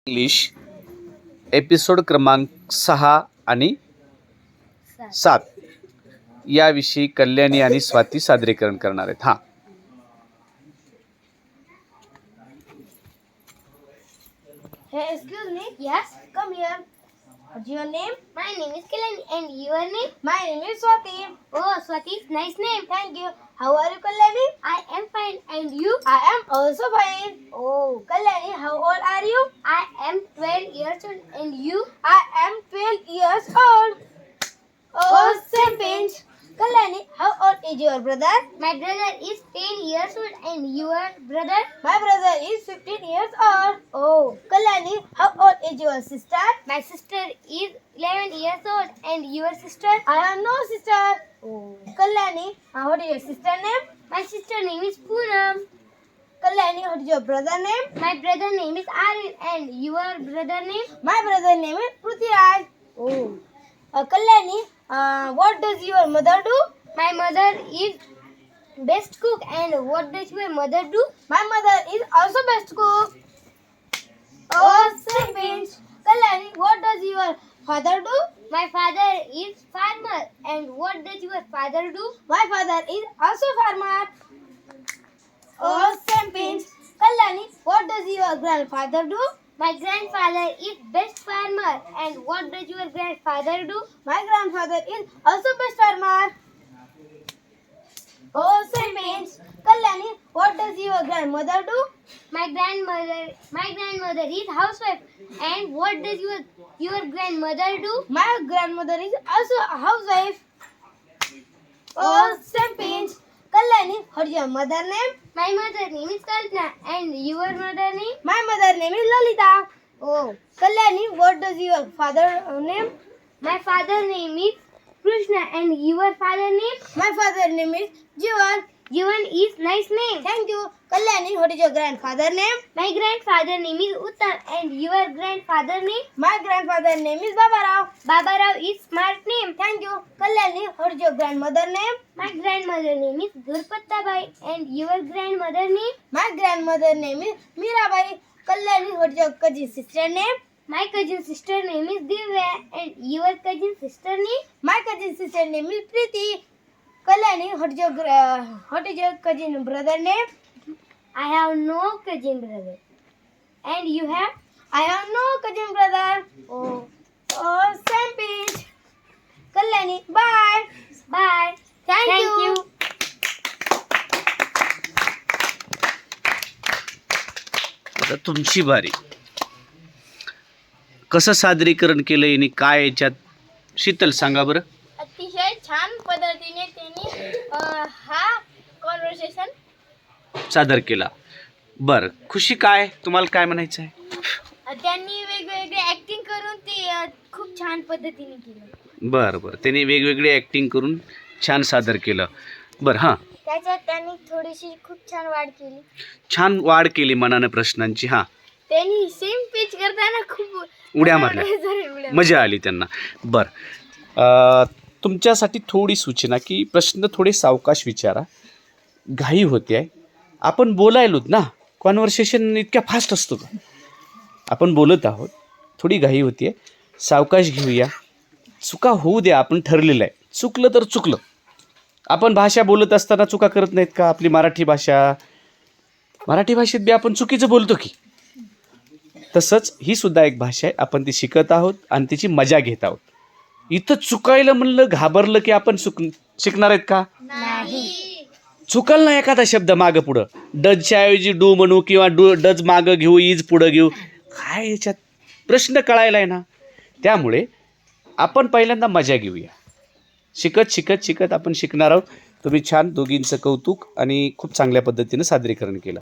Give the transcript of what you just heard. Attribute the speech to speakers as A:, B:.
A: English episode क्रमांक 6 आणि 7 याविषयी कल्याणी आणि स्वाती सादरीकरण करणार आहेत. हां,
B: Hey, excuse me. Yes, come here. What's your name?
C: My name is Kalyani and your name?
B: My name is Swati.
C: Oh, Swati, nice name.
B: Thank you. How are you, Kalyani?
C: I am fine and you?
B: I am also fine. Oh, Kalyani, how old are you?
C: I am 12 years old and you?
B: I am 12 years old. Oh, same pinch. Kalyani, how old is your brother?
C: My brother is 10 years old and your brother?
B: My brother is 15 years old. Oh, Kalyani, how old is your sister?
C: My sister is 11 years old and your sister?
B: I have no sister. Oh, Kalyani, what is your sister name?
C: My sister name is Poonam.
B: Kalyani, what is your brother name?
C: My brother name is Aryan and your brother name?
B: My brother name is Prithviraj. Oh. Kalyani, what does your mother do?
C: My mother is best cook and what does your mother do?
B: My mother is also best cook. Oh, same pinch. Kalyani, what does your father do?
C: My father is farmer and what does your father do?
B: My father is also farmer. Oh, same pinch. Kalyani, what does your grandfather do?
C: My grandfather is best farmer and what does your grandfather do?
B: My grandfather is also best farmer. Oh, same pinch. Kalyani, what does your grandmother do?
C: My grandmother is housewife and what does your grandmother do?
B: My grandmother is also a housewife. Oh, same pinch. Kalyani, what is your mother name?
C: My mother name is Kalpana and your mother name?
B: My mother name is Lalita. Oh, Kalyani, what does your father name?
C: My father name is Krishna and your father name?
B: My father name is Jivan.
C: Jivan is nice name.
B: Thank you. Kalyani, what is your grandfather name?
C: My grandfather name is Uttam and your grandfather name?
B: My grandfather name is Babarao.
C: Babarao is smart name.
B: Thank you. Kalyani, what is your grandmother name?
C: My grandmother name is Gurpattabai and your grandmother name?
B: My grandmother name is Mirabai. Kalyani, what is your cousin sister name?
C: My cousin sister name is Divya and your cousin sister name?
B: My cousin sister name is Preeti. Kalyani, what is your cousin brother name?
C: I have no cousin brother. And you have?
B: I have no cousin brother. Oh, same pinch. Kalyani, bye.
C: Bye.
B: Thank you.
A: आता तुमची बारी. कसं सादरीकरण केलं आणि काय याच्यात शीतल सांगा बरं.
B: अतिशय छान पद्धतीने त्यांनी हा कॉन्व्हर्सेशन
A: सादर केला. बरं, खुशी काय तुम्हाला काय म्हणायचं आहे?
B: त्यांनी वेगवेगळे ऍक्टिंग करून ते खूप छान पद्धतीने केलं.
A: बरं, त्यांनी वेगवेगळे ॲक्टिंग करून छान सादर केलं. बरं, हां,
B: त्याच्यात त्यांनी थोडीशी खूप छान वाढ केली.
A: छान वाढ केली मनानं प्रश्नांची. हां,
B: त्यांनी सेम पिच करताना खूप
A: उड्या मारल्या, मजा आली त्यांना. बरं, तुमच्यासाठी थोडी सूचना की प्रश्न थोडे सावकाश विचारा. घाई होते आहे. आपण बोलायलोत ना, कॉन्व्हर्सेशन इतक्या फास्ट असतो का? आपण बोलत आहोत, थोडी घाई होती आहे. सावकाश घेऊया. चुका होऊ द्या, आपण ठरलेलं आहे. चुकलं तर चुकलं. आपण भाषा बोलत असताना चुका करत नाहीत का? आपली मराठी भाषेत बी आपण चुकीचं बोलतो की. तसंच ही सुद्धा एक भाषा आहे. आपण ती शिकत आहोत आणि तिची मजा घेत आहोत. इथं चुकायला म्हणलं घाबरलं की आपण शिकणार आहेत का? चुकल ना एखादा शब्द मागं पुढं. डजच्या ऐवजी डू म्हणू किंवा डज मागं घेऊ, इज पुढं घेऊ. काय याच्यात प्रश्न कळायला आहे ना. त्यामुळे आपण पहिल्यांदा मजा घेऊया. शिकत आपण शिकणार आहोत. तुम्ही छान दोघींचं कौतुक आणि खूप चांगल्या पद्धतीनं सादरीकरण केलं.